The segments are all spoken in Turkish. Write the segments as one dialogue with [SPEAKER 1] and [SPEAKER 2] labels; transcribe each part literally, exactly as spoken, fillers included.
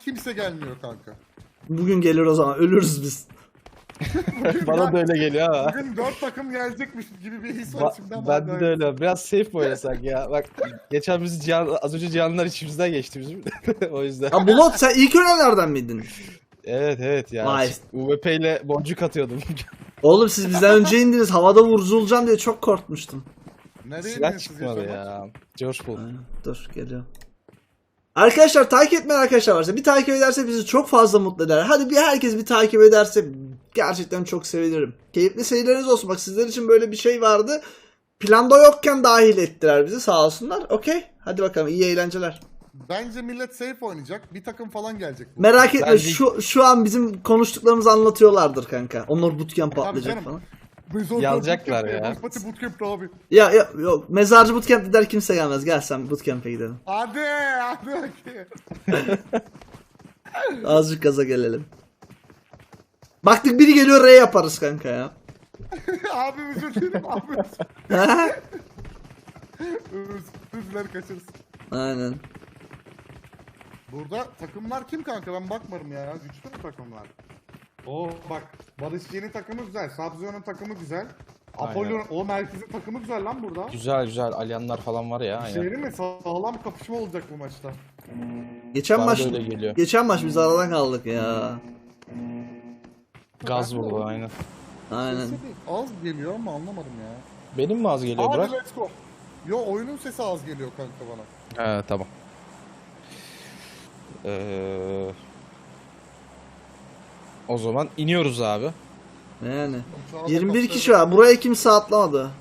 [SPEAKER 1] kimse gelmiyor kanka.
[SPEAKER 2] Bugün gelir o zaman. Ölürüz biz.
[SPEAKER 3] Bana da öyle geliyor ha.
[SPEAKER 1] Bugün dört takım gelecekmiş gibi bir his var
[SPEAKER 3] Ba
[SPEAKER 1] şimdi ama.
[SPEAKER 3] ben de öyle. Biraz safe mi oynasak ya? Bak geçen biz Cihan, az önce Cihanlar içimizden geçti bizim. O yüzden.
[SPEAKER 2] Ha Bulut sen ilk ölenlerden miydin?
[SPEAKER 3] Evet evet ya.
[SPEAKER 2] Vay.
[SPEAKER 3] U V P ile boncuk atıyordum.
[SPEAKER 2] Oğlum siz bizden önce indiniz. Havada vurulacağım diye çok korkmuştum.
[SPEAKER 1] Nereye
[SPEAKER 3] Silah
[SPEAKER 1] iniyorsunuz
[SPEAKER 3] çıkmadı
[SPEAKER 1] yaşamak?
[SPEAKER 3] ya. George Bull.
[SPEAKER 2] Aynen. Dur geliyor. Arkadaşlar takip etmeyen arkadaşlar varsa bir takip ederse bizi çok fazla mutlu eder. Hadi bir herkes bir takip ederse gerçekten çok sevinirim. Keyifli seyirleriniz olsun. Bak sizler için böyle bir şey vardı. Planda yokken dahil ettiler bizi sağ olsunlar. Okey. Hadi bakalım iyi eğlenceler.
[SPEAKER 1] Bence millet safe oynayacak. Bir takım falan gelecek. Bu.
[SPEAKER 2] Merak etme
[SPEAKER 3] Bence-
[SPEAKER 2] şu şu an bizim konuştuklarımızı anlatıyorlardır kanka. Onlar bootcamp
[SPEAKER 1] Tabii
[SPEAKER 2] patlayacak
[SPEAKER 1] canım.
[SPEAKER 2] falan.
[SPEAKER 1] Biz orada
[SPEAKER 3] Yazacaklar
[SPEAKER 1] bootcamp
[SPEAKER 3] ya.
[SPEAKER 1] yapıyoruz. Pati bootcamp'te abi.
[SPEAKER 2] Ya, ya yok mezarcı bootcamp gider kimse gelmez. Gel sen bootcamp'e gidelim.
[SPEAKER 1] Hadi hadi bakayım.
[SPEAKER 2] Azıcık gaza gelelim. Baktık biri geliyor R yaparız kanka ya.
[SPEAKER 1] Abi özür dilerim abi.
[SPEAKER 2] Ha?
[SPEAKER 1] Özür diler kaçırız.
[SPEAKER 2] Aynen.
[SPEAKER 1] Burada takımlar kim kanka ben bakmadım ya. Güçlü mü takımlar? Oo bak Barış Yeni takımı güzel. Sabzion'un takımı güzel.
[SPEAKER 3] Aynen.
[SPEAKER 1] Apollo o merkezin takımı güzel lan burada.
[SPEAKER 3] Güzel güzel alyanlar falan var ya.
[SPEAKER 1] Şey
[SPEAKER 3] Aynen.
[SPEAKER 1] değil mi? Sağlam kapışma olacak bu maçta.
[SPEAKER 2] Geçen
[SPEAKER 3] Bana
[SPEAKER 2] maç
[SPEAKER 3] da öyle geliyor.
[SPEAKER 2] geçen maç biz aradan kaldık ya.
[SPEAKER 3] Gaz vurdu aynen.
[SPEAKER 2] Aynen.
[SPEAKER 1] Sesi bir az geliyor ama anlamadım ya.
[SPEAKER 3] Benim mi az geliyor
[SPEAKER 1] Hadi
[SPEAKER 3] Burak?
[SPEAKER 1] let's go. Yo oyunun sesi az geliyor kanka bana.
[SPEAKER 3] He tamam. Ee, o zaman iniyoruz abi.
[SPEAKER 2] Yani.
[SPEAKER 1] Şu anda
[SPEAKER 2] yirmi bir
[SPEAKER 1] kapıda-
[SPEAKER 2] kişi var. Buraya kimse atlamadı.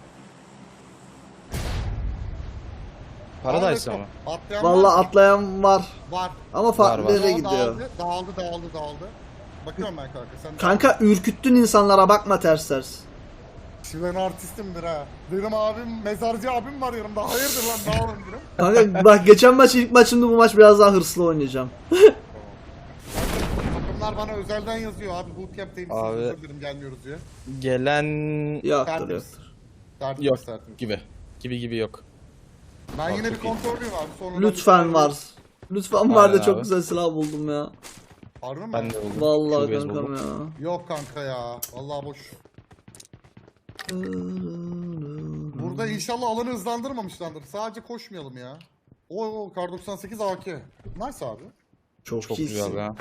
[SPEAKER 3] Paradise
[SPEAKER 1] Hadi
[SPEAKER 3] ama.
[SPEAKER 1] let's go. Atlayan
[SPEAKER 2] Vallahi
[SPEAKER 1] var mı?
[SPEAKER 2] atlayan var.
[SPEAKER 1] Var.
[SPEAKER 2] Ama farklı
[SPEAKER 3] Var, var.
[SPEAKER 2] yere
[SPEAKER 1] Dağıldı,
[SPEAKER 2] gidiyor.
[SPEAKER 1] Dağıldı, dağıldı, dağıldı. Bakıyorum ben kanka. Sen
[SPEAKER 2] Kanka ürküttün insanlara bakma ters ters.
[SPEAKER 1] Şimdi ben artistimdir ha. Benim abim, mezarcı abim var yanımda. Hayırdır lan dağılın diyorum.
[SPEAKER 2] Kanka bak geçen maç ilk maçımda bu maç biraz daha hırslı oynayacağım.
[SPEAKER 1] Takımlar bana özelden yazıyor abi. Bootcamp'teyim siz
[SPEAKER 3] Abi.
[SPEAKER 1] özür dilerim gelmiyoruz diye.
[SPEAKER 3] Gelen
[SPEAKER 2] Yoktur
[SPEAKER 1] Tertemiz.
[SPEAKER 2] yoktur.
[SPEAKER 1] Tertemiz,
[SPEAKER 3] yok
[SPEAKER 1] tertemiz.
[SPEAKER 3] gibi. Gibi gibi yok.
[SPEAKER 1] Ben
[SPEAKER 3] Bak,
[SPEAKER 1] yine bir
[SPEAKER 3] çok iyi.
[SPEAKER 1] kontrolüyüm abi. Sonradan
[SPEAKER 2] Lütfen
[SPEAKER 1] bir-
[SPEAKER 2] var. Lütfen var da
[SPEAKER 3] Aynen
[SPEAKER 2] çok
[SPEAKER 3] abi.
[SPEAKER 2] güzel silah buldum ya.
[SPEAKER 1] Harbi mi?
[SPEAKER 3] Ben de buldum.
[SPEAKER 2] Vallahi
[SPEAKER 3] Şubez
[SPEAKER 2] kankam
[SPEAKER 3] buldum.
[SPEAKER 2] ya.
[SPEAKER 1] Yok kanka ya. Vallahi boş. Burada inşallah alanı hızlandırmamışlardır. Sadece koşmayalım ya. Oo Kar doksan sekiz A K. Nice abi.
[SPEAKER 2] Çok,
[SPEAKER 3] Çok
[SPEAKER 2] iyisin.
[SPEAKER 3] güzel ya.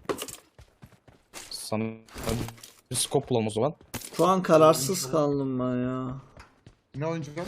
[SPEAKER 3] Sana bir scope bulalım o zaman.
[SPEAKER 2] Şu an kararsız kaldım ben ya.
[SPEAKER 1] Ne oynayacağım?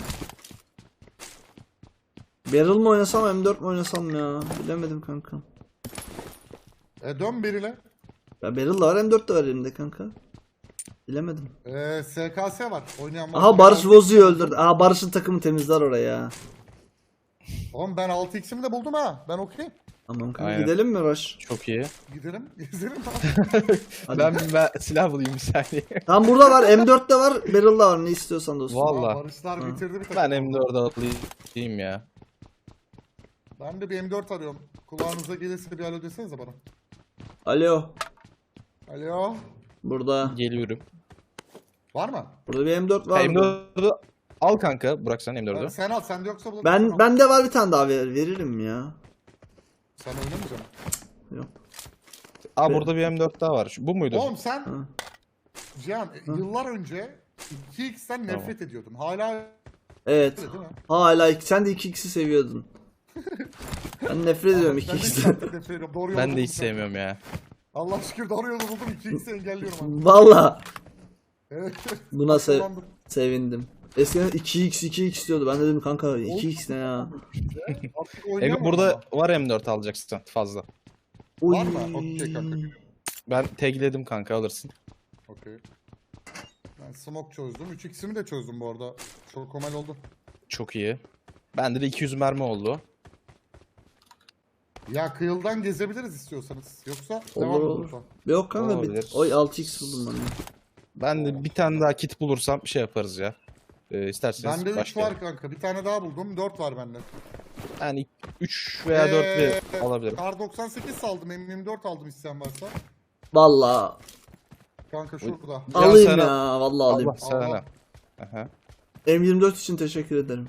[SPEAKER 2] Barrel mi oynasam M dört mi oynasam ya? Bilemedim kanka.
[SPEAKER 1] E dön biriyle.
[SPEAKER 2] Ya Barrel da var M dört de var elimde kanka. Bilemedim.
[SPEAKER 1] E, S K S var. Oynayan var.
[SPEAKER 2] Aha Barış Vozu'yu öldürdü. Aha Barış'ın takımı temizler oraya.
[SPEAKER 1] Oğlum ben altı x'imi de buldum ha. Ben okeyim.
[SPEAKER 2] Tamam kanka
[SPEAKER 3] Aynen.
[SPEAKER 2] gidelim mi Roş?
[SPEAKER 3] Çok iyi.
[SPEAKER 1] Gidelim. Gezelim.
[SPEAKER 2] Hadi.
[SPEAKER 3] Ben, ben silah bulayım bir saniye.
[SPEAKER 2] Tam burada var M dört de var Barrel da var ne istiyorsan dostum.
[SPEAKER 3] Vallahi.
[SPEAKER 1] Barışlar
[SPEAKER 2] Ha.
[SPEAKER 1] bitirdi bir takım.
[SPEAKER 3] Ben M dört'e atlayayım ya.
[SPEAKER 1] Ben de bir M dört arıyorum. Kulağınıza gelirse bir alo desenize bana.
[SPEAKER 2] Alo.
[SPEAKER 1] Alo.
[SPEAKER 2] Burada.
[SPEAKER 3] Geliyorum.
[SPEAKER 1] Var mı?
[SPEAKER 2] Burada bir M dört var.
[SPEAKER 3] M dört'ü al kanka. Bırak sen M dört'ü.
[SPEAKER 1] Sen al. Sende yoksa bulabilirsin.
[SPEAKER 2] Ben
[SPEAKER 1] Al.
[SPEAKER 2] bende var bir tane daha ver, veririm ya.
[SPEAKER 1] Sen oynamayacaksın.
[SPEAKER 2] Yok.
[SPEAKER 3] Aa burada bir M dört daha var. Şu- Bu muydu?
[SPEAKER 1] Oğlum sen
[SPEAKER 2] Ha.
[SPEAKER 1] Cihan yıllar önce iki x'ten nefret ediyordun. Hala
[SPEAKER 2] Evet.
[SPEAKER 1] öyle değil mi?
[SPEAKER 2] Hala iki- sen de iki x'i seviyordun. Ben nefret ediyorum iki
[SPEAKER 1] Ben de
[SPEAKER 2] x'ten.
[SPEAKER 1] nefret ediyorum. Doğru yolu
[SPEAKER 3] Ben de
[SPEAKER 1] buldum
[SPEAKER 3] hiç
[SPEAKER 1] sen.
[SPEAKER 3] sevmiyorum ya.
[SPEAKER 1] Allah şükür doğru yolu buldum. iki x'i engelliyorum abi.
[SPEAKER 2] Valla.
[SPEAKER 1] Evet.
[SPEAKER 2] Buna sev
[SPEAKER 1] Kullandım.
[SPEAKER 2] sevindim. Eskiden iki x iki x diyordu. Ben de dedim kanka iki x ne ya?
[SPEAKER 1] Artık
[SPEAKER 3] Ege
[SPEAKER 1] oynayamam
[SPEAKER 3] burada
[SPEAKER 1] ama.
[SPEAKER 3] var M dört alacaksın fazla.
[SPEAKER 2] Oy.
[SPEAKER 1] Var mı? Okey kanka.
[SPEAKER 3] Ben tagledim kanka alırsın.
[SPEAKER 1] Okey. Ben smoke çözdüm. üç x'imi de çözdüm bu arada. Çok komel oldu.
[SPEAKER 3] Çok iyi. Bende de iki yüz mermi oldu.
[SPEAKER 1] Ya kıyıldan gezebiliriz istiyorsanız. Yoksa devam
[SPEAKER 2] Olur
[SPEAKER 1] mı
[SPEAKER 2] olur.
[SPEAKER 1] lütfen?
[SPEAKER 2] Yok kanka bir...
[SPEAKER 3] Olabilir.
[SPEAKER 2] Oy altı x buldum ben de.
[SPEAKER 3] Ben de bir tane daha kit bulursam şey yaparız ya. Ee, isterseniz
[SPEAKER 1] Bende üç
[SPEAKER 3] başlayalım.
[SPEAKER 1] var kanka. Bir tane daha buldum. dört var bende.
[SPEAKER 3] Yani üç veya dört
[SPEAKER 1] Ee,
[SPEAKER 3] de alabilirim.
[SPEAKER 1] Kar doksan sekiz saldım. M yirmi dört aldım isteyen varsa.
[SPEAKER 2] Valla
[SPEAKER 1] Kanka şurada.
[SPEAKER 3] Ya
[SPEAKER 2] alayım
[SPEAKER 3] sana-
[SPEAKER 2] ya vallahi alayım.
[SPEAKER 3] Allah sana.
[SPEAKER 1] Allah.
[SPEAKER 3] Aha.
[SPEAKER 2] M yirmi dört için teşekkür ederim.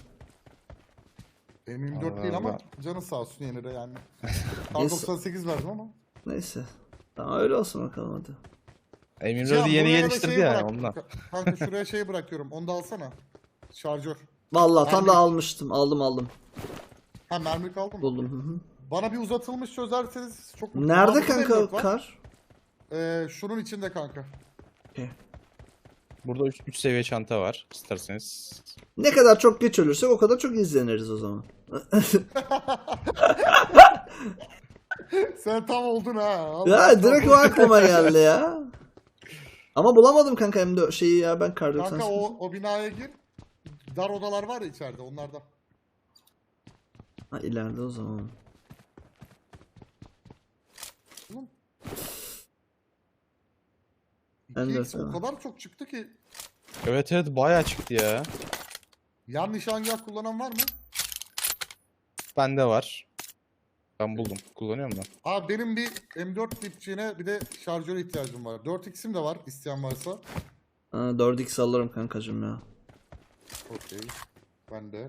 [SPEAKER 1] M yirmi dört değil ama
[SPEAKER 3] Allah.
[SPEAKER 1] canı sağ olsun yine de yani. Kar
[SPEAKER 2] Yes.
[SPEAKER 1] doksan sekiz verdim ama.
[SPEAKER 2] Neyse. Tamam öyle olsun bakalım hadi.
[SPEAKER 3] M yirmi
[SPEAKER 1] Cihan,
[SPEAKER 3] dördü yeni
[SPEAKER 1] buraya da
[SPEAKER 3] geliştirdi
[SPEAKER 1] şeyi
[SPEAKER 3] ya
[SPEAKER 1] bırak.
[SPEAKER 3] ondan.
[SPEAKER 1] Kanka şuraya şey bırakıyorum. Onu da alsana. Şarjör.
[SPEAKER 2] Vallahi tam da
[SPEAKER 1] Mermi-
[SPEAKER 2] almıştım. Aldım aldım.
[SPEAKER 1] Ha mermi kaldı mı?
[SPEAKER 2] Buldum. Hı hı.
[SPEAKER 1] Bana bir uzatılmış çözerseniz çok mutlu
[SPEAKER 2] Nerede
[SPEAKER 1] olurum. Aa, burada M
[SPEAKER 2] kanka
[SPEAKER 1] dört var.
[SPEAKER 2] kar?
[SPEAKER 1] Ee, şunun içinde kanka.
[SPEAKER 3] Burada üç seviye çanta var isterseniz.
[SPEAKER 2] Ne kadar çok geç ölürsek o kadar çok izleniriz o zaman.
[SPEAKER 1] Sen tam oldun ha. Allah
[SPEAKER 2] Ya direkt o
[SPEAKER 1] Allah.
[SPEAKER 2] aklıma geldi ya. Ama bulamadım kanka hem de şeyi ya ben kar
[SPEAKER 1] Kanka
[SPEAKER 2] doksan sekiz.
[SPEAKER 1] o, o binaya gir. Dar odalar var ya içeride onlardan.
[SPEAKER 2] Ha ileride o zaman.
[SPEAKER 1] Oğlum.
[SPEAKER 2] Ben de
[SPEAKER 1] iki X o
[SPEAKER 2] tamam.
[SPEAKER 1] kadar çok çıktı ki.
[SPEAKER 3] Evet evet bayağı çıktı ya.
[SPEAKER 1] Yan nişangah kullanan var mı?
[SPEAKER 3] Bende var. Ben buldum. Kullanıyorum ben.
[SPEAKER 1] Abi benim bir M dört dipçiğine bir de şarjöre ihtiyacım var. dört X'im de var isteyen varsa.
[SPEAKER 2] Ha, dört x alırım kankacım ya.
[SPEAKER 1] Okey. Ben de.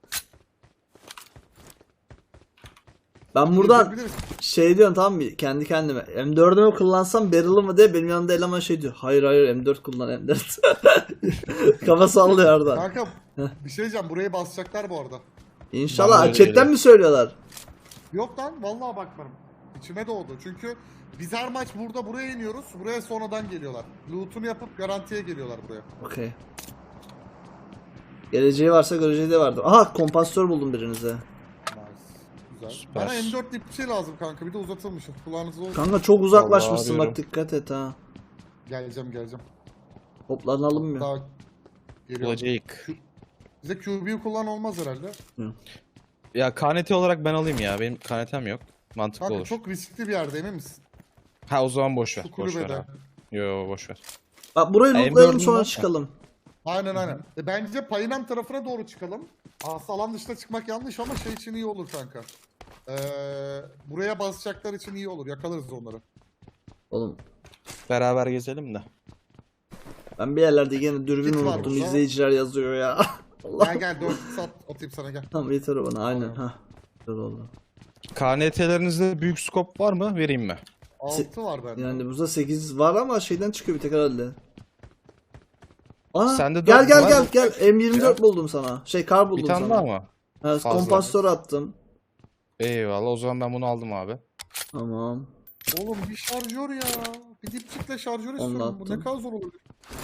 [SPEAKER 2] Ben buradan
[SPEAKER 1] Gezebiliriz.
[SPEAKER 2] şey diyorum tamam mı kendi kendime M dördü mü kullansam Barrel'ı mı diye benim yanımda eleman şey diyor. Hayır hayır M dört kullan M dört. Kafa sallıyor orada.
[SPEAKER 1] Kanka bir şey diyeceğim burayı basacaklar bu arada.
[SPEAKER 2] İnşallah
[SPEAKER 3] Ben de
[SPEAKER 2] chatten
[SPEAKER 3] öyleyim.
[SPEAKER 2] mi söylüyorlar?
[SPEAKER 1] Yok lan vallahi bakmadım. İçime doğdu. Çünkü biz her maç burada buraya iniyoruz. Buraya sonradan geliyorlar. Loot'unu yapıp garantiye geliyorlar buraya.
[SPEAKER 2] Okey. Geleceği varsa göreceği de vardır. Aha kompansatör buldum birinize.
[SPEAKER 1] Nice. Güzel.
[SPEAKER 3] Süper.
[SPEAKER 1] Bana M dört dip bir şey lazım kanka. Bir de uzatılmış. Kulağınızda olsun.
[SPEAKER 2] Kanka çok uzaklaşmışsın
[SPEAKER 3] Vallahi
[SPEAKER 2] bak dikkat et ha.
[SPEAKER 1] Geleceğim geleceğim.
[SPEAKER 2] Toplanalım mı?
[SPEAKER 1] Daha geliyorum.
[SPEAKER 3] Bulacak.
[SPEAKER 1] Bize Q B'yi kullan olmaz herhalde.
[SPEAKER 3] Ya K N T olarak ben alayım ya. Benim K N T'm yok. Mantıklı
[SPEAKER 1] Kanka
[SPEAKER 3] olur.
[SPEAKER 1] çok riskli bir yerde emin misin?
[SPEAKER 3] Ha o zaman boş ver.
[SPEAKER 1] Şu
[SPEAKER 3] Boş ver
[SPEAKER 1] kulübede.
[SPEAKER 3] abi. Yo boş ver.
[SPEAKER 2] Bak burayı
[SPEAKER 3] M
[SPEAKER 2] lootlayalım
[SPEAKER 3] dördün
[SPEAKER 2] sonra
[SPEAKER 3] var.
[SPEAKER 2] çıkalım.
[SPEAKER 1] Aynen aynen. E, bence Payinam tarafına doğru çıkalım. Aslında alan dışına çıkmak yanlış ama şey için iyi olur kanka. Ee, buraya basacaklar için iyi olur. Yakalarız onları.
[SPEAKER 2] Oğlum
[SPEAKER 3] Beraber gezelim de.
[SPEAKER 2] ben bir yerlerde yine dürbün
[SPEAKER 1] Kit var
[SPEAKER 2] unuttum
[SPEAKER 1] burada.
[SPEAKER 2] izleyiciler yazıyor ya. Allah.
[SPEAKER 1] Gel gel dört sat atayım sana gel.
[SPEAKER 2] Tamam yeter o bana aynen
[SPEAKER 1] Tamam.
[SPEAKER 2] ha. Güzel oldu.
[SPEAKER 3] K N T'lerinizde büyük scope var mı? Vereyim mi?
[SPEAKER 1] altı var bende.
[SPEAKER 2] Yani burada sekiz var ama şeyden çıkıyor bir tek herhalde. Aa,
[SPEAKER 3] Sende
[SPEAKER 2] gel
[SPEAKER 3] dört
[SPEAKER 2] gel
[SPEAKER 3] var
[SPEAKER 2] gel
[SPEAKER 3] mı?
[SPEAKER 2] gel M yirmi dört
[SPEAKER 3] Ya.
[SPEAKER 2] buldum sana. Şey kar buldum
[SPEAKER 3] Bir tane
[SPEAKER 2] sana.
[SPEAKER 3] daha mı?
[SPEAKER 2] Ha,
[SPEAKER 3] Fazla.
[SPEAKER 2] kompansatör attım.
[SPEAKER 3] Eyvallah o zaman ben bunu aldım abi.
[SPEAKER 2] Tamam.
[SPEAKER 1] Oğlum bir şarjör ya. Bir dipçikle şarjör
[SPEAKER 2] Onu
[SPEAKER 1] istiyorum. Bu ne
[SPEAKER 2] attım.
[SPEAKER 1] kadar zor olabilir.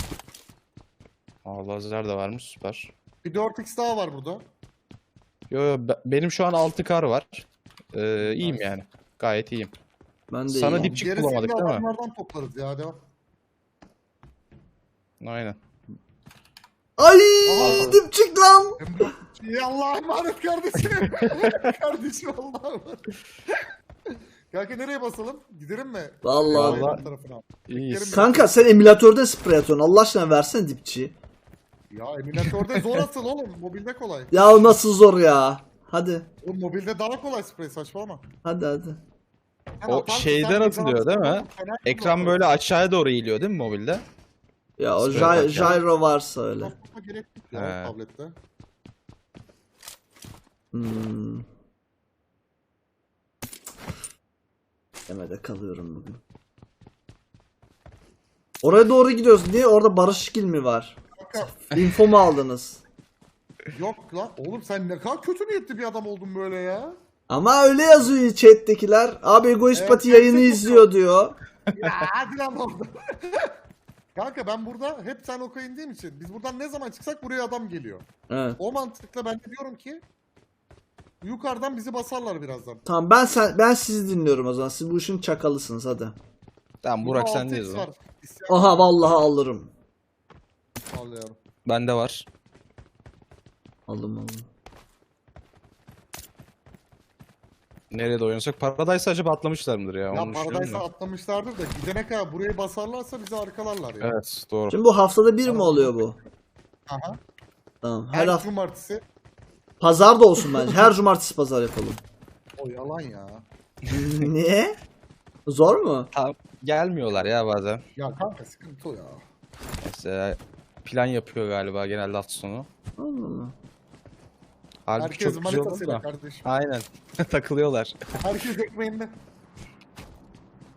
[SPEAKER 3] Aa lazer de varmış süper.
[SPEAKER 1] Bir dört X daha var burada.
[SPEAKER 3] Yo yo be- benim şu an altı kar var. Ee, iyiyim
[SPEAKER 1] Nice.
[SPEAKER 3] yani. Gayet iyiyim.
[SPEAKER 2] Ben de
[SPEAKER 3] Sana
[SPEAKER 2] iyiyim.
[SPEAKER 3] dipçik
[SPEAKER 1] Gerisini
[SPEAKER 3] bulamadık
[SPEAKER 1] de
[SPEAKER 3] değil mi?
[SPEAKER 1] adamlardan toplarız ya devam.
[SPEAKER 3] Aynen.
[SPEAKER 2] Ay
[SPEAKER 1] Aa.
[SPEAKER 2] dipçik lan.
[SPEAKER 1] M dört İyi Allah'a emanet kardeşim. Kardeşim Allah'a emanet. Kanka nereye basalım? Gidelim mi?
[SPEAKER 2] Vallahi.
[SPEAKER 3] Vallahi-
[SPEAKER 1] Tarafına.
[SPEAKER 3] İyiyiz.
[SPEAKER 2] Kanka sen emülatörde sprey atıyorsun. Allah aşkına versene dipçiyi.
[SPEAKER 1] Ya eminatörde zor asıl oğlum. Mobilde kolay.
[SPEAKER 2] Ya nasıl zor ya. Hadi.
[SPEAKER 1] Oğlum mobilde daha kolay sprey saçmalama.
[SPEAKER 2] Hadi hadi.
[SPEAKER 1] Sen
[SPEAKER 3] O
[SPEAKER 1] atarsın,
[SPEAKER 3] şeyden
[SPEAKER 1] sen
[SPEAKER 3] atılıyor değil mi?
[SPEAKER 1] yazarsın, fena
[SPEAKER 3] Ekran
[SPEAKER 1] kullan.
[SPEAKER 3] böyle aşağıya doğru eğiliyor değil mi mobilde?
[SPEAKER 2] Ya o
[SPEAKER 3] Sprey
[SPEAKER 2] gy-
[SPEAKER 3] atarken.
[SPEAKER 2] gyro varsa öyle.
[SPEAKER 1] Basmama gerek yok ya
[SPEAKER 3] He.
[SPEAKER 1] tablette.
[SPEAKER 2] Hmm. Demede kalıyorum bugün. Oraya doğru gidiyoruz. Niye? Orada Barışgil mi var?
[SPEAKER 1] Kanka
[SPEAKER 2] Info mu aldınız?
[SPEAKER 1] yok lan. Oğlum sen ne kadar kötü niyetli bir adam oldun böyle ya.
[SPEAKER 2] Ama öyle yazıyor chat'tekiler. Abi Egoist
[SPEAKER 1] Evet,
[SPEAKER 2] Pati
[SPEAKER 1] chat'te
[SPEAKER 2] yayını
[SPEAKER 1] çok
[SPEAKER 2] izliyor diyor.
[SPEAKER 1] Ya hadi lan orada. Kanka ben burada hep sen oka indiğim için biz buradan ne zaman çıksak buraya adam geliyor.
[SPEAKER 2] Evet.
[SPEAKER 1] O mantıkla ben de diyorum ki yukarıdan bizi basarlar birazdan.
[SPEAKER 2] Tamam ben sen ben sizi dinliyorum o zaman. Siz bu işin çakalısınız hadi.
[SPEAKER 3] Tamam
[SPEAKER 1] Burada
[SPEAKER 3] Burak
[SPEAKER 1] altı
[SPEAKER 3] sendeyiz
[SPEAKER 1] X
[SPEAKER 3] o zaman.
[SPEAKER 1] var. İsteyen
[SPEAKER 2] Aha vallahi alırım.
[SPEAKER 1] al yavrum.
[SPEAKER 3] Bende var.
[SPEAKER 2] Aldım aldım.
[SPEAKER 3] Nerede oynasak? Paradise acaba atlamışlar mıdır ya?
[SPEAKER 1] Ya
[SPEAKER 3] Onu düşünüyorum
[SPEAKER 1] Paradise'a
[SPEAKER 3] da.
[SPEAKER 1] atlamışlardır da gidene kadar burayı basarlarsa bizi arkalarlar ya.
[SPEAKER 3] Evet doğru.
[SPEAKER 2] Şimdi bu haftada bir mi oluyor bu?
[SPEAKER 1] Aha.
[SPEAKER 2] Tamam. Her
[SPEAKER 1] Her
[SPEAKER 2] hafta
[SPEAKER 1] cumartesi.
[SPEAKER 2] pazar da olsun bence. Her cumartesi pazar yapalım.
[SPEAKER 1] O yalan ya.
[SPEAKER 2] Niye? Zor mu?
[SPEAKER 3] Tam gelmiyorlar ya bazen.
[SPEAKER 1] Ya kanka sıkıntı o ya.
[SPEAKER 3] Mesela plan yapıyor galiba genelde hafta sonu.
[SPEAKER 2] Allah Allah.
[SPEAKER 3] Halbuki
[SPEAKER 1] Herkes
[SPEAKER 3] çok güzel olur
[SPEAKER 1] manitasıyla
[SPEAKER 3] da.
[SPEAKER 1] kardeşim.
[SPEAKER 3] Aynen. Takılıyorlar.
[SPEAKER 1] Herkes ekmeğinde.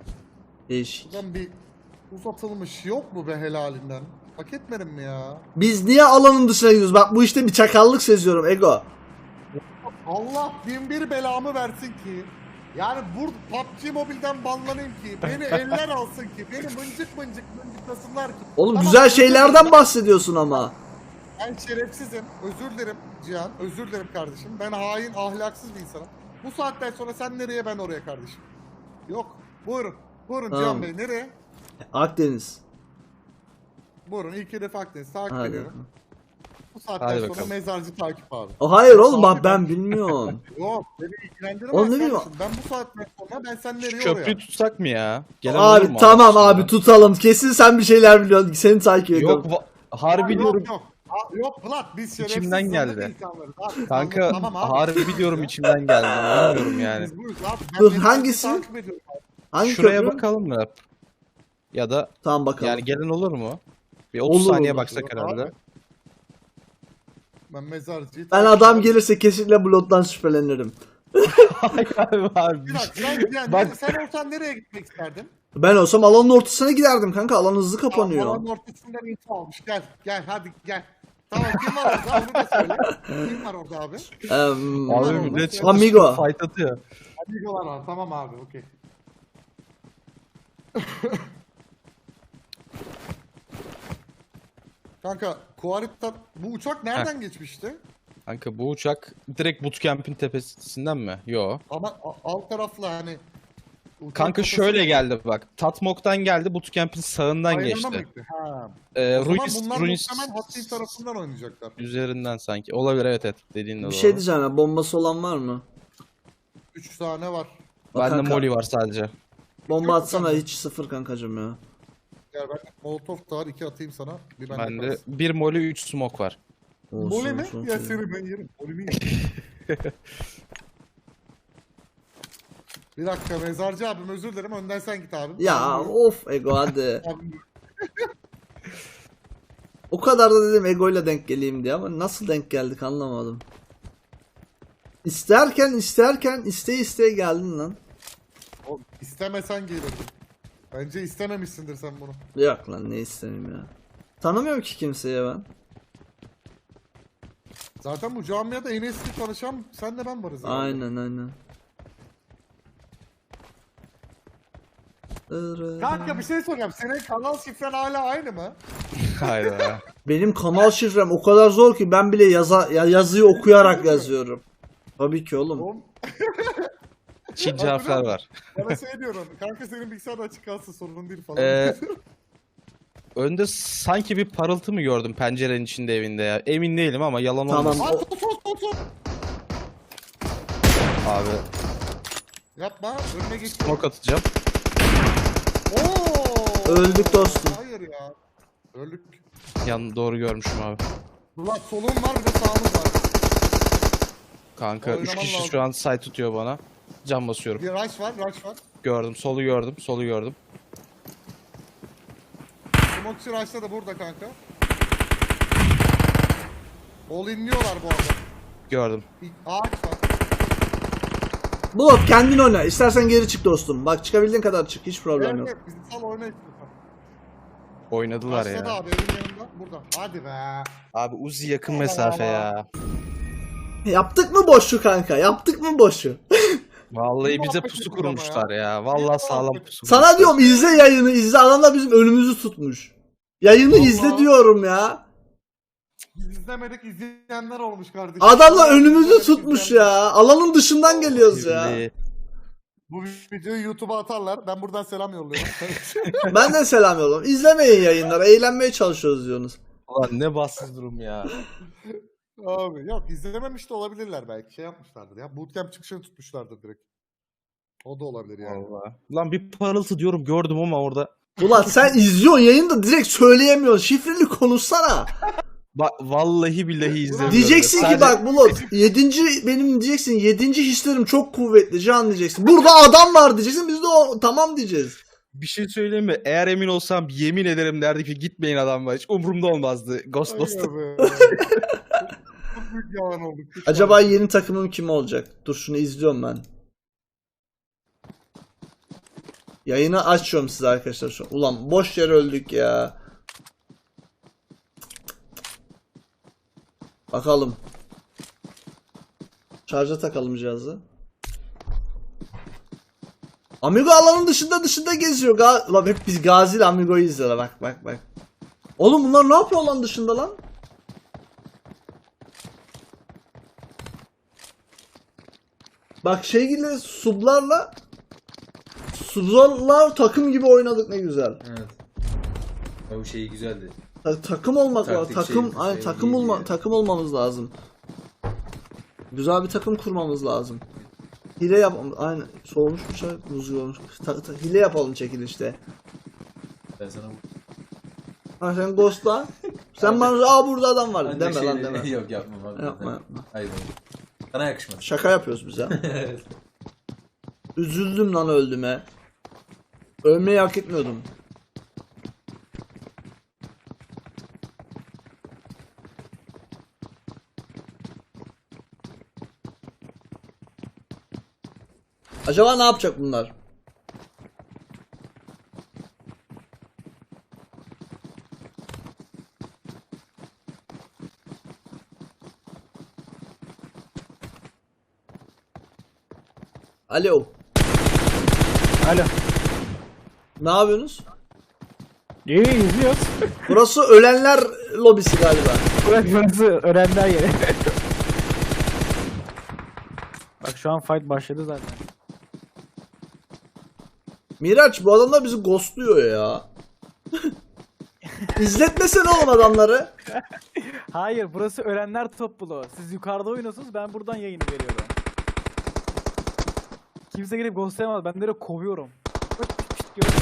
[SPEAKER 2] Değişik.
[SPEAKER 1] Buradan bir uzatılmış yok mu be helalinden? Hak etmedim mi ya?
[SPEAKER 2] Biz niye alanın dışına gidiyoruz? Bak bu işte bir çakallık seziyorum Ego.
[SPEAKER 1] Allah bin bir belamı versin ki. Yani burada P U B G Mobile'den banlanayım ki. Beni eller alsın ki. Beni mıncık mıncık mıncıklasınlar ki.
[SPEAKER 2] Oğlum
[SPEAKER 1] Tamam,
[SPEAKER 2] güzel
[SPEAKER 1] özür
[SPEAKER 2] şeylerden
[SPEAKER 1] dilerim.
[SPEAKER 2] bahsediyorsun ama.
[SPEAKER 1] Ben şerefsizim. Özür dilerim Cihan. Özür dilerim kardeşim. Ben hain, ahlaksız bir insanım. Bu saatten sonra sen nereye, ben oraya kardeşim. Yok. Buyurun. Buyurun
[SPEAKER 2] Tamam.
[SPEAKER 1] Cihan Bey. Nereye?
[SPEAKER 2] Akdeniz.
[SPEAKER 1] Buyurun. İlk hedef Akdeniz. Takip
[SPEAKER 2] Hadi.
[SPEAKER 1] ediyorum. Bu saatten
[SPEAKER 3] Hadi
[SPEAKER 1] sonra
[SPEAKER 3] bakalım.
[SPEAKER 1] mezarcı takip abi.
[SPEAKER 2] O hayır oğlum
[SPEAKER 1] Abi
[SPEAKER 2] bak
[SPEAKER 1] ben-
[SPEAKER 2] ben bilmiyorum.
[SPEAKER 1] Yok. Beni ilgilendirmez
[SPEAKER 2] Oğlum ne bileyim-
[SPEAKER 1] kardeşim. Ben bu saatten sonra ben sen
[SPEAKER 3] Şu
[SPEAKER 1] nereye
[SPEAKER 3] köprüyü
[SPEAKER 1] oraya?
[SPEAKER 3] tutsak mı ya? Gelen olur
[SPEAKER 2] Abi
[SPEAKER 3] mu
[SPEAKER 2] tamam
[SPEAKER 3] aslında?
[SPEAKER 2] abi tutalım. Kesin sen bir şeyler biliyorsun. Seni takip ediyorum.
[SPEAKER 3] Yok va- harbi
[SPEAKER 1] Ya,
[SPEAKER 3] diyorum.
[SPEAKER 1] Yok yok. Aa, yok Vlad biz şerefsiz
[SPEAKER 3] İçimden
[SPEAKER 1] zırhlı
[SPEAKER 3] geldi.
[SPEAKER 1] insanlarız abi.
[SPEAKER 3] Kanka
[SPEAKER 1] Tamam abi.
[SPEAKER 3] harbi diyorum içimden geldi. Bilmiyorum yani.
[SPEAKER 1] Biz buyuz abi. Ben
[SPEAKER 2] Dur,
[SPEAKER 1] mezarcıyı
[SPEAKER 2] hangisi?
[SPEAKER 1] takip ediyorum abi.
[SPEAKER 2] Hangi
[SPEAKER 3] Şuraya
[SPEAKER 2] köprü?
[SPEAKER 3] bakalım mı? Ya da
[SPEAKER 2] Tamam bakalım.
[SPEAKER 3] yani gelen olur mu? Bir otuz
[SPEAKER 2] Olur,
[SPEAKER 3] saniye
[SPEAKER 2] olur.
[SPEAKER 3] baksak
[SPEAKER 1] Abi.
[SPEAKER 3] herhalde.
[SPEAKER 1] Ben mezarcıyı
[SPEAKER 2] Ben
[SPEAKER 1] takip
[SPEAKER 2] adam
[SPEAKER 1] ediyorum.
[SPEAKER 2] gelirse kesinlikle blottan şüphelenirim.
[SPEAKER 3] Hayır abi abi.
[SPEAKER 1] Bir dakika sen, yani,
[SPEAKER 3] Bak-
[SPEAKER 1] sen olsan nereye gitmek isterdin?
[SPEAKER 2] Ben olsam alanın ortasına giderdim kanka. Alan hızlı
[SPEAKER 1] Alanın
[SPEAKER 2] kapanıyor.
[SPEAKER 1] ortasından info almış. Gel gel hadi gel. Tamam kim var orada onu da söyle. Kim var orada abi?
[SPEAKER 2] Em,
[SPEAKER 3] Abi
[SPEAKER 1] Var
[SPEAKER 3] millet
[SPEAKER 1] oğlum.
[SPEAKER 3] çıkmış
[SPEAKER 2] Amigo.
[SPEAKER 3] fight atıyor.
[SPEAKER 1] Amigolar var tamam abi okey. Kanka Kuarit'ten bu uçak nereden geçmişti?
[SPEAKER 3] Kanka bu uçak direkt bootcamp'in tepesinden mi? Yo.
[SPEAKER 1] Ama a- alt taraflı hani uçak
[SPEAKER 3] Kanka
[SPEAKER 1] kafası-
[SPEAKER 3] şöyle geldi bak. Tatmok'tan geldi bootcamp'in sağından
[SPEAKER 1] Ayağına
[SPEAKER 3] geçti.
[SPEAKER 1] mı gitti? Ha.
[SPEAKER 3] Ee,
[SPEAKER 1] O zaman
[SPEAKER 3] Ruins,
[SPEAKER 1] bunlar
[SPEAKER 3] Ruins
[SPEAKER 1] muhtemelen Hatay tarafından oynayacaklar.
[SPEAKER 3] üzerinden sanki. Olabilir evet evet dediğin de
[SPEAKER 2] Bir
[SPEAKER 3] doğru.
[SPEAKER 2] şey diyeceğim ya. Bombası olan var mı?
[SPEAKER 1] Üç tane var.
[SPEAKER 2] Bak
[SPEAKER 3] Bende
[SPEAKER 2] kanka,
[SPEAKER 3] Molly var sadece.
[SPEAKER 2] Bomba
[SPEAKER 1] Yok mu
[SPEAKER 2] atsana
[SPEAKER 1] sende?
[SPEAKER 2] hiç sıfır kankacım ya.
[SPEAKER 1] Gel ben Molotov da var iki atayım sana. Bir bende
[SPEAKER 3] Bende
[SPEAKER 1] kalsın.
[SPEAKER 3] bir Molly üç smoke var.
[SPEAKER 2] Olsun,
[SPEAKER 1] Mole mi?
[SPEAKER 2] olsun,
[SPEAKER 1] Ya
[SPEAKER 2] olsun.
[SPEAKER 1] seni ben yerim. Mole mi yerim? Bir dakika mezarcı abim özür dilerim önden sen git abim.
[SPEAKER 2] Ya
[SPEAKER 1] Abim,
[SPEAKER 2] of Ego hadi.
[SPEAKER 1] abim.
[SPEAKER 2] O kadar da dedim Ego'yla denk geleyim diye ama nasıl denk geldik anlamadım. İsterken isterken isteye isteye geldin lan.
[SPEAKER 1] O, istemesen gelirdin. Bence istememişsindir sen bunu.
[SPEAKER 2] Yok lan ne istemeyeyim ya. Tanımıyorum ki kimseye ben.
[SPEAKER 1] Zaten bu camiada en eski tanışan senle ben varız. yani.
[SPEAKER 2] Aynen aynen.
[SPEAKER 1] Kanka bir şey soracağım. Senin kanal şifren hala aynı mı?
[SPEAKER 3] Hayda.
[SPEAKER 2] Benim kanal şifrem o kadar zor ki ben bile yaza, ya yazıyı okuyarak yazıyorum. Tabii ki oğlum.
[SPEAKER 1] Oğlum
[SPEAKER 3] Çince harfler var.
[SPEAKER 1] bana şey diyorum. Kanka senin bilgisayarda açık kalsın sorun değil falan.
[SPEAKER 3] Ee, Önde sanki bir parıltı mı gördüm pencerenin içinde evinde ya. Emin değilim ama yalan
[SPEAKER 2] Tamam.
[SPEAKER 3] olmasın.
[SPEAKER 1] Aa, tut, tut, tut, tut.
[SPEAKER 3] Abi
[SPEAKER 1] Yapma. Önüne geç.
[SPEAKER 3] smoke atacağım.
[SPEAKER 1] Oo!
[SPEAKER 2] Öldük dostum.
[SPEAKER 1] Hayır ya. Öldük.
[SPEAKER 3] Yan doğru görmüşüm abi.
[SPEAKER 1] Ulan solun var bir de sağımız var.
[SPEAKER 3] Kanka üç
[SPEAKER 1] Oynaman
[SPEAKER 3] kişi
[SPEAKER 1] lazım.
[SPEAKER 3] şu an site tutuyor bana. Can basıyorum.
[SPEAKER 1] Bir rush var, rush var.
[SPEAKER 3] Gördüm, solu gördüm, solu gördüm.
[SPEAKER 1] Smokçı rush'ta da burada kanka. All inliyorlar bu arada.
[SPEAKER 3] Gördüm.
[SPEAKER 1] Bir ağaç var.
[SPEAKER 2] Bulut kendin oyna. İstersen geri çık dostum. Bak çıkabildiğin kadar çık. Hiç problem yok.
[SPEAKER 1] Evet, bizi sal oyna istiyorsan.
[SPEAKER 3] Oynadılar
[SPEAKER 1] Rush'ta da
[SPEAKER 3] ya.
[SPEAKER 1] abi evin yanında. Burada. Hadi be.
[SPEAKER 3] Abi Uzi yakın mesafe ya.
[SPEAKER 2] Yaptık mı boşu kanka? Yaptık mı boşu?
[SPEAKER 3] Vallahi
[SPEAKER 1] Bir
[SPEAKER 3] bize
[SPEAKER 1] muhabbet
[SPEAKER 3] pusu
[SPEAKER 1] ettik ama
[SPEAKER 3] kurmuşlar
[SPEAKER 1] ya.
[SPEAKER 3] ya.
[SPEAKER 1] Bir
[SPEAKER 3] Vallahi sağlam
[SPEAKER 1] muhabbet.
[SPEAKER 3] pusu
[SPEAKER 2] Sana
[SPEAKER 3] kurmuşlar.
[SPEAKER 2] diyorum izle yayını izle. Adamlar bizim önümüzü tutmuş. Yayını
[SPEAKER 1] Vallahi.
[SPEAKER 2] izle diyorum ya.
[SPEAKER 1] Biz izlemedik izleyenler olmuş kardeşim.
[SPEAKER 2] Adamlar önümüzü
[SPEAKER 1] İzlemedik,
[SPEAKER 2] tutmuş
[SPEAKER 1] izleyenler.
[SPEAKER 2] ya. Alanın dışından geliyoruz ya.
[SPEAKER 3] Kirli.
[SPEAKER 1] Bu videoyu YouTube'a atarlar. Ben buradan selam yolluyorum.
[SPEAKER 2] Ben de selam yolluyorum. İzlemeyin yayınları. Eğlenmeye çalışıyoruz diyorsunuz.
[SPEAKER 3] Ulan ne bassız durum ya.
[SPEAKER 1] Abi yok izlememiş de olabilirler belki. Şey yapmışlardır ya. Bootcamp çıkışını tutmuşlardır direkt. O da olabilir yani.
[SPEAKER 3] Vallahi. Lan bir parıltı diyorum gördüm ama orada.
[SPEAKER 2] Ulan sen izliyorsun yayında direkt söyleyemiyorsun. Şifreli konuşsana.
[SPEAKER 3] Bak vallahi billahi izlemiyorum.
[SPEAKER 2] Diyeceksin ki
[SPEAKER 3] Sadece-
[SPEAKER 2] bak Bulut. Yedinci benim diyeceksin. Yedinci hislerim çok kuvvetli. Can diyeceksin. Burada adam var diyeceksin. Biz de o tamam diyeceğiz.
[SPEAKER 3] Bir şey söyleyeyim mi? Eğer emin olsam yemin ederim derdi ki gitmeyin adam var. Hiç umurumda olmazdı. Ghost Ghost'ta.
[SPEAKER 1] Ay be. Çok büyük yalan oldu. Hiç
[SPEAKER 2] Acaba
[SPEAKER 1] yalan.
[SPEAKER 2] yeni takımım kim olacak? Dur şunu izliyorum ben. Yayını açıyorum size arkadaşlar şu. Ulan boş yere öldük ya. Bakalım. Şarja takalım cihazı. Amigo alanın dışında dışında geziyor. Ga Ulan hep biz Gazi ile Amigo'yu izliyorlar. Bak bak bak. Oğlum bunlar ne yapıyor alan dışında lan? Bak şey gibi sublarla sublarla takım gibi oynadık, ne güzel.
[SPEAKER 4] Evet. O şey güzeldi.
[SPEAKER 2] Ta- takım olmak var.
[SPEAKER 4] Taktik
[SPEAKER 2] Takım
[SPEAKER 4] şey-
[SPEAKER 2] ay
[SPEAKER 4] şey
[SPEAKER 2] takım
[SPEAKER 4] değil
[SPEAKER 2] olma
[SPEAKER 4] ya.
[SPEAKER 2] takım olmamız lazım. Güzel bir takım kurmamız lazım. Hile yap aynı soğumuş bir şey buz gibi olmuş. Ta- ta- hile yapalım çekilişte.
[SPEAKER 4] Ben sana
[SPEAKER 2] Ha sen ghostla. Sen bana aa burada adam var
[SPEAKER 4] Ancak
[SPEAKER 2] deme lan
[SPEAKER 4] şeyleri-
[SPEAKER 2] deme.
[SPEAKER 4] Yok yapmam abi.
[SPEAKER 2] Yapma, yapma.
[SPEAKER 4] Hayır. Sana yakışmaz.
[SPEAKER 2] Şaka yapıyoruz biz ya. Üzüldüm lan öldüme. Ölmeyi hak etmiyordum. Acaba ne yapacak bunlar? Alo.
[SPEAKER 5] Alo.
[SPEAKER 2] Ne yapıyorsunuz?
[SPEAKER 5] İyi izliyoruz.
[SPEAKER 2] Burası ölenler lobisi galiba.
[SPEAKER 5] Bırak burası öğrenler yeri. Bak şu an fight başladı zaten.
[SPEAKER 2] Miraç bu adamlar bizi ghostluyor ya. İzletmesene oğlum adamları.
[SPEAKER 5] Hayır, burası öğrenler topluluğu. Siz yukarıda oynuyorsunuz, ben buradan yayını veriyorum. Kimse gelip ghostlayamaz, ben de kovuyorum. Bak, pişt, pişt, gör-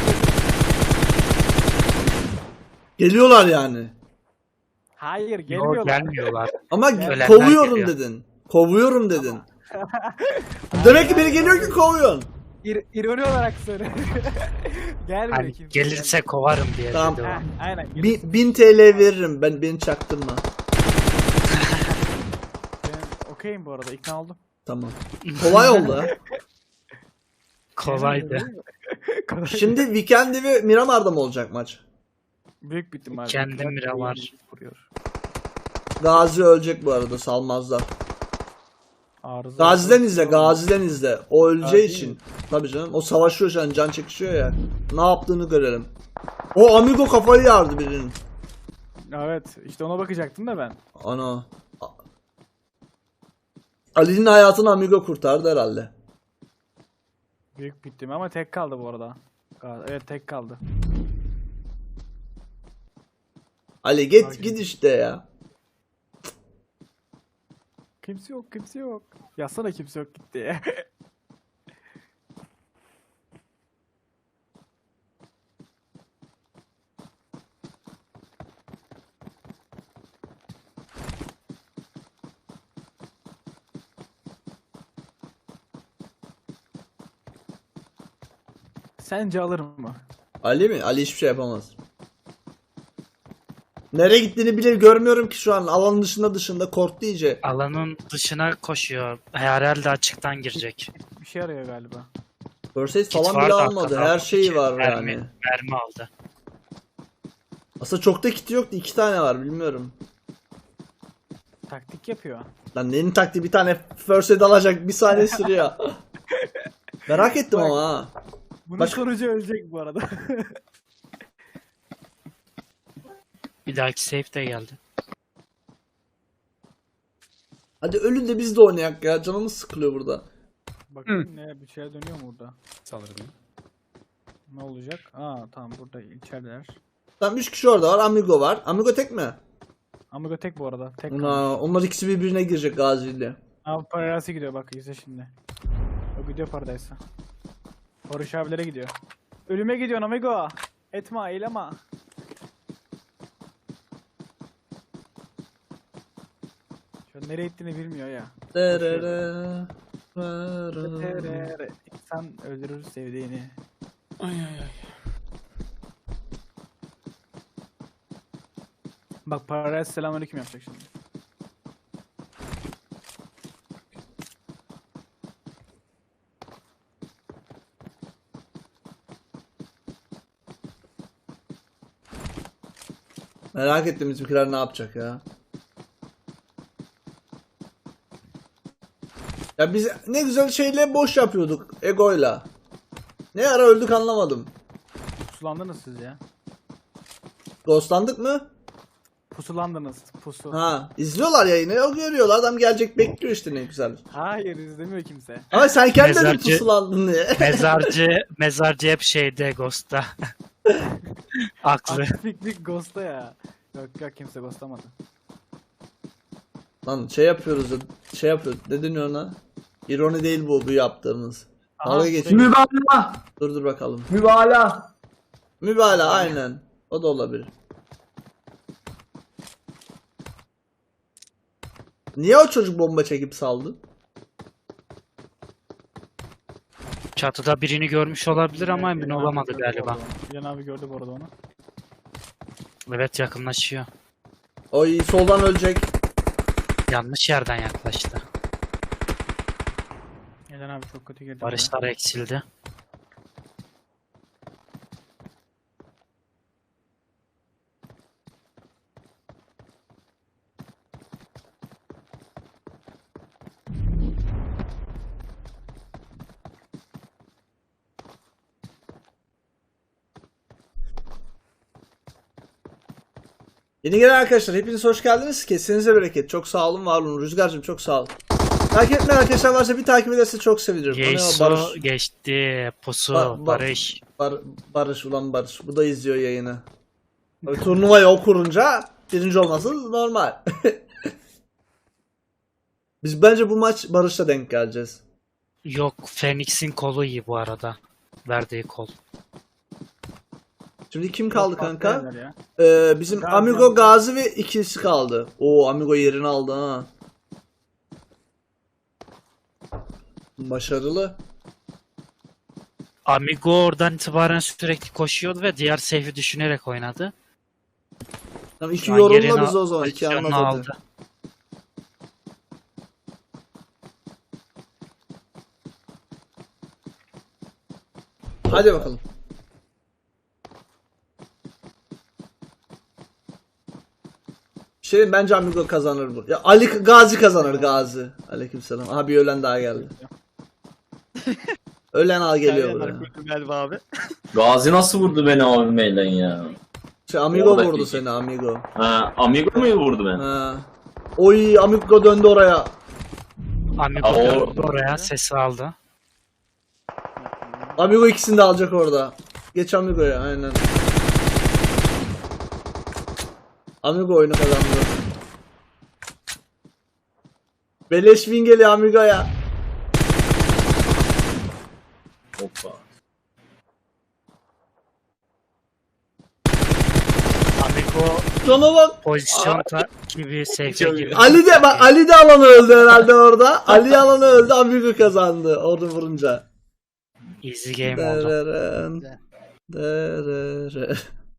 [SPEAKER 2] Geliyorlar yani.
[SPEAKER 5] Hayır,
[SPEAKER 6] Yok,
[SPEAKER 5] gelmiyorlar.
[SPEAKER 6] gelmiyorlar.
[SPEAKER 2] Ama
[SPEAKER 6] Ölenler
[SPEAKER 2] kovuyorum
[SPEAKER 6] geliyor.
[SPEAKER 2] dedin. Kovuyorum dedin. Demek ki biri geliyor ki kovuyorsun.
[SPEAKER 5] İr ironi olarak söyle. Gelmiyor
[SPEAKER 6] Hani
[SPEAKER 5] kimse.
[SPEAKER 6] gelirse kovarım diye
[SPEAKER 2] Tamam.
[SPEAKER 6] dedi o.
[SPEAKER 5] Heh, aynen.
[SPEAKER 2] Bin,
[SPEAKER 5] gelirse.
[SPEAKER 2] bin T L veririm ben, beni çaktırma.
[SPEAKER 5] Ben okeyim bu arada, ikna oldum.
[SPEAKER 2] Tamam. Kolay oldu ha.
[SPEAKER 6] Kolaydı.
[SPEAKER 5] Kolay.
[SPEAKER 2] Şimdi Weekend'i ve Miramar'da mı olacak maç?
[SPEAKER 5] Büyük bir ihtimal.
[SPEAKER 6] Kendi
[SPEAKER 5] Kral
[SPEAKER 6] Miramar.
[SPEAKER 5] yayını kuruyor.
[SPEAKER 2] Gazi ölecek bu arada, salmazlar.
[SPEAKER 5] Arıza.
[SPEAKER 2] Gazi'den izle, Gazi'den izle. O öleceği
[SPEAKER 5] Gazi
[SPEAKER 2] için.
[SPEAKER 5] mi?
[SPEAKER 2] Tabii canım. O savaşıyor şu an, can çekişiyor ya. Ne yaptığını görelim. O Amigo kafayı yardı birinin.
[SPEAKER 5] Evet, işte ona bakacaktım da ben.
[SPEAKER 2] Ana. Ali'nin hayatını Amigo kurtardı herhalde.
[SPEAKER 5] Büyük bittim ama tek kaldı bu arada. Gal- Evet, tek kaldı.
[SPEAKER 2] Ali git git işte ya.
[SPEAKER 5] Kimse yok, kimse yok. Yazsana kimse yok gitti ya. Sence alır mı?
[SPEAKER 2] Ali mi? Ali hiçbir şey yapamaz. Nereye gittiğini bile görmüyorum ki şu an. Alanın dışında dışında korktu iyice.
[SPEAKER 6] Alanın dışına koşuyor. Herhalde açıktan girecek.
[SPEAKER 5] Bir şey arıyor galiba.
[SPEAKER 2] First aid
[SPEAKER 6] Kit
[SPEAKER 2] falan
[SPEAKER 6] var
[SPEAKER 2] bile
[SPEAKER 6] da
[SPEAKER 2] almadı.
[SPEAKER 6] arkada.
[SPEAKER 2] Her şeyi
[SPEAKER 6] İki
[SPEAKER 2] var
[SPEAKER 6] mermi,
[SPEAKER 2] yani.
[SPEAKER 6] Mermi aldı.
[SPEAKER 2] Aslında çok da kiti yoktu. İki tane var bilmiyorum.
[SPEAKER 5] Taktik yapıyor.
[SPEAKER 2] Lan neyin taktiği, bir tane first aid alacak bir saniye sürüyor. Merak ettim
[SPEAKER 5] Bak.
[SPEAKER 2] ama ha.
[SPEAKER 5] Bunun
[SPEAKER 2] Başka-
[SPEAKER 5] sonucu ölecek bu arada.
[SPEAKER 6] Bir dahaki safe de geldi.
[SPEAKER 2] Hadi ölün de biz de oynayak ya. Canımız sıkılıyor burada.
[SPEAKER 5] Bakın ne bir şey dönüyor mu burada?
[SPEAKER 3] Sanırım.
[SPEAKER 5] Ne olacak? Aa tamam, burada içerideler.
[SPEAKER 2] Tamam üç kişi orada var. Amigo var. Amigo tek mi?
[SPEAKER 5] Amigo tek bu arada. Tek kaldı.
[SPEAKER 2] Ona, onlar ikisi birbirine girecek Gazi ile.
[SPEAKER 5] Abi Paradise gidiyor, bak izle şimdi. O gidiyor Paradise'a. Barış abilere gidiyor. Ölüme gidiyorsun amigo. Etme, eyleme. Şu an nereye gittiğini bilmiyor ya.
[SPEAKER 2] Derere, derere.
[SPEAKER 5] Terere, İnsan öldürür sevdiğini.
[SPEAKER 3] Ay ay ay.
[SPEAKER 5] Bak Paradise selamünaleyküm yapacak şimdi.
[SPEAKER 2] Merak ettim bizimkiler ne yapacak ya. Ya biz ne güzel şeyle boş yapıyorduk egoyla. Ne ara öldük anlamadım.
[SPEAKER 5] Pusulandınız siz ya.
[SPEAKER 2] Ghostlandık mı?
[SPEAKER 5] Pusulandınız. Pusu.
[SPEAKER 2] Ha, izliyorlar yayını. O görüyorlar. Adam gelecek bekliyor işte ne güzel.
[SPEAKER 5] Hayır izlemiyor kimse.
[SPEAKER 2] Ama sen kendin de
[SPEAKER 6] Mezarcı-
[SPEAKER 2] pusulandın diye.
[SPEAKER 6] Mezarcı, mezarcı hep şeyde Ghost'ta. Aklı.
[SPEAKER 5] Aktiflik Ghost'ta ya. Yok yok kimse Ghost'lamadı.
[SPEAKER 2] Lan şey yapıyoruz. ya, Şey yapıyoruz. Ne deniyor ona? İroni değil bu bu yaptığımız.
[SPEAKER 5] Aha,
[SPEAKER 2] Dalga
[SPEAKER 5] şey-
[SPEAKER 2] geçiyor.
[SPEAKER 7] Mübalağa.
[SPEAKER 2] Dur dur bakalım.
[SPEAKER 7] Mübalağa.
[SPEAKER 2] Mübalağa aynen. O da olabilir. Niye o çocuk bomba çekip saldı?
[SPEAKER 6] Çatıda birini görmüş olabilir ama emin
[SPEAKER 5] İlhan abi
[SPEAKER 6] olamadı
[SPEAKER 5] gördü
[SPEAKER 6] galiba.
[SPEAKER 5] bu arada. İlhan abi gördü bu arada onu.
[SPEAKER 6] Evet yakınlaşıyor.
[SPEAKER 2] O iyi soldan ölecek.
[SPEAKER 6] Yanlış yerden yaklaştı.
[SPEAKER 5] İlhan abi çok kötü girdi.
[SPEAKER 6] Barışlar eksildi.
[SPEAKER 2] Yeni gelen arkadaşlar hepiniz hoş geldiniz. Kesinize bereket. Çok sağ olun, var olun. Rüzgar'cığım çok sağ ol. Takip etmeyen arkadaşlar varsa bir takip ederse çok sevinirim. Tanıyor
[SPEAKER 6] Geyso
[SPEAKER 2] Barış.
[SPEAKER 6] geçti. Pusu,
[SPEAKER 2] Ba- ba-
[SPEAKER 6] Barış.
[SPEAKER 2] Bar- Barış ulan Barış. Bu da izliyor yayını. Tabii turnuvayı o kurunca birinci olması normal. Biz bence bu maç Barış'la denk geleceğiz.
[SPEAKER 6] Yok, Phoenix'in kolu iyi bu arada. Verdiği kol.
[SPEAKER 2] Şimdi kim kaldı kanka?
[SPEAKER 5] Patlayanlar ya.
[SPEAKER 2] Ee, bizim
[SPEAKER 5] Gazi
[SPEAKER 2] Amigo,
[SPEAKER 5] Amigo.
[SPEAKER 2] Gazi ve ikisi kaldı. Oo Amigo yerini aldı ha. Başarılı.
[SPEAKER 6] Amigo oradan itibaren sürekli koşuyordu ve diğer safe'i düşünerek oynadı.
[SPEAKER 2] Tamam iki
[SPEAKER 6] Şu an
[SPEAKER 2] yorumla
[SPEAKER 6] yerini
[SPEAKER 2] bize o zaman. İki
[SPEAKER 6] pozisyonunu
[SPEAKER 2] anlat hadi.
[SPEAKER 6] aldı.
[SPEAKER 2] Hadi bakalım. Şey bence Amigo kazanır bu. Ya Ali Gazi kazanır Gazi. Aleykümselam. Aha bir ölen daha geldi. Ölen al geliyor buraya.
[SPEAKER 3] Galiba abi.
[SPEAKER 8] Gazi nasıl vurdu beni abimeyle ya?
[SPEAKER 2] Şey, Amigo
[SPEAKER 8] Oradaki
[SPEAKER 2] vurdu
[SPEAKER 8] iki.
[SPEAKER 2] seni Amigo.
[SPEAKER 8] Ha, Amigo mu vurdu beni?
[SPEAKER 2] Ha. Oy Amigo döndü oraya.
[SPEAKER 6] Amigo
[SPEAKER 8] Aa, o-
[SPEAKER 6] döndü oraya, sesi aldı.
[SPEAKER 2] Amigo ikisini de alacak orada. Geç Amigo'ya aynen. Amigo oyunu kazandı. Beleş win geliyor Amigo'ya.
[SPEAKER 8] Hoppa.
[SPEAKER 6] Amigo
[SPEAKER 2] Sona bak.
[SPEAKER 6] pozisyon gibi safe'e girdi.
[SPEAKER 2] Ali de bak Ali de alanı öldü herhalde orada. Ali alanı öldü Amigo kazandı orada vurunca.
[SPEAKER 6] Easy game oldu.
[SPEAKER 2] Dereren. Dereren.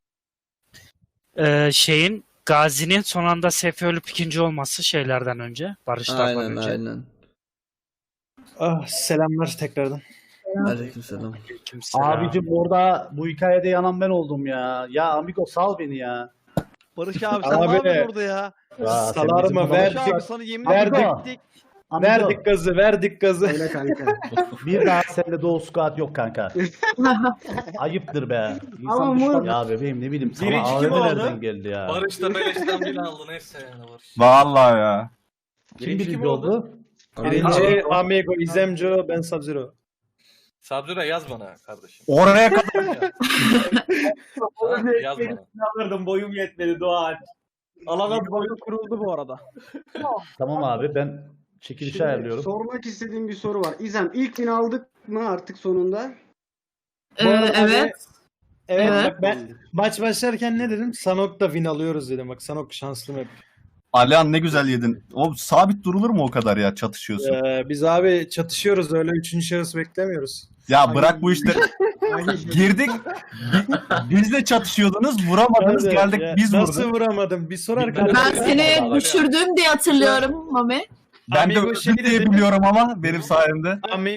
[SPEAKER 6] Ee, şeyin Gazi'nin son anda sefe ölüp ikinci olması şeylerden önce. Barışlardan
[SPEAKER 2] Aynen
[SPEAKER 6] önce.
[SPEAKER 2] aynen.
[SPEAKER 3] Ah, selamlar tekrardan.
[SPEAKER 2] Aleykümselam.
[SPEAKER 6] Aleykümselam.
[SPEAKER 7] Abicim orada bu hikayede yanan ben oldum ya. Ya Amigo sal beni ya.
[SPEAKER 9] Barış abi sen
[SPEAKER 3] Abi,
[SPEAKER 9] ne yapıyorsun orada ya?
[SPEAKER 7] Ya sen
[SPEAKER 3] Salar
[SPEAKER 7] bizim
[SPEAKER 3] mı?
[SPEAKER 7] bana-
[SPEAKER 9] Barış
[SPEAKER 3] Verdik.
[SPEAKER 9] abi sana yemin
[SPEAKER 3] Verdik.
[SPEAKER 9] ederim ettik.
[SPEAKER 7] Amigo,
[SPEAKER 3] Verdik gazı, verdik gazı.
[SPEAKER 7] Öyle kanka. Bir daha seninle Doğu Squad yok kanka. Ayıptır be. İnsan
[SPEAKER 10] Ama
[SPEAKER 7] düşman-
[SPEAKER 10] bu-
[SPEAKER 7] Ya bebeğim ne bileyim sana
[SPEAKER 9] Birinci
[SPEAKER 7] A
[SPEAKER 9] kim
[SPEAKER 7] V M
[SPEAKER 9] oldu?
[SPEAKER 7] nereden geldi ya?
[SPEAKER 9] Barış da Beleş'ten bile aldı neyse yani Barış.
[SPEAKER 10] Vallahi ya.
[SPEAKER 7] Kim
[SPEAKER 9] Birinci
[SPEAKER 7] birinci
[SPEAKER 9] kim oldu?
[SPEAKER 7] oldu?
[SPEAKER 3] Birinci Amigo, İzemco, ben Sub-Zero.
[SPEAKER 9] Sabzura yaz bana kardeşim.
[SPEAKER 10] Oraya kadar
[SPEAKER 9] Ha, yaz bana.
[SPEAKER 7] Alırdım boyum yetmedi Doğan. Alamaz
[SPEAKER 5] Oyun kuruldu bu arada.
[SPEAKER 7] Tamam abi ben çekilişi
[SPEAKER 10] Şimdi
[SPEAKER 7] ayarlıyorum.
[SPEAKER 10] sormak istediğim bir soru var. İzem ilk bin aldık mı artık sonunda?
[SPEAKER 3] Bu arada
[SPEAKER 11] Ee, evet.
[SPEAKER 3] Evet,
[SPEAKER 11] Evet.
[SPEAKER 3] bak ben maç başlarken ne dedim? Sanok'ta win alıyoruz dedim. Bak Sanok şanslı hep.
[SPEAKER 10] Alihan ne güzel yedin. O sabit durulur mu o kadar ya çatışıyorsun?
[SPEAKER 3] Ee, biz abi çatışıyoruz öyle üçüncü şahıs beklemiyoruz.
[SPEAKER 10] Ya bırak bu işte. Girdik. bi- Biz de çatışıyordunuz. Vuramadınız.
[SPEAKER 3] Hadi
[SPEAKER 10] Geldik
[SPEAKER 3] ya,
[SPEAKER 10] biz
[SPEAKER 3] Nasıl
[SPEAKER 10] vurduk.
[SPEAKER 3] vuramadım? Bir sorar
[SPEAKER 11] Ben
[SPEAKER 3] kardeşim.
[SPEAKER 11] seni düşürdüm diye hatırlıyorum Mami.
[SPEAKER 10] Ben de
[SPEAKER 3] Amigo
[SPEAKER 10] öldüm
[SPEAKER 3] şey
[SPEAKER 10] diye
[SPEAKER 3] dedi.
[SPEAKER 10] biliyorum ama benim sayemde.
[SPEAKER 3] Ami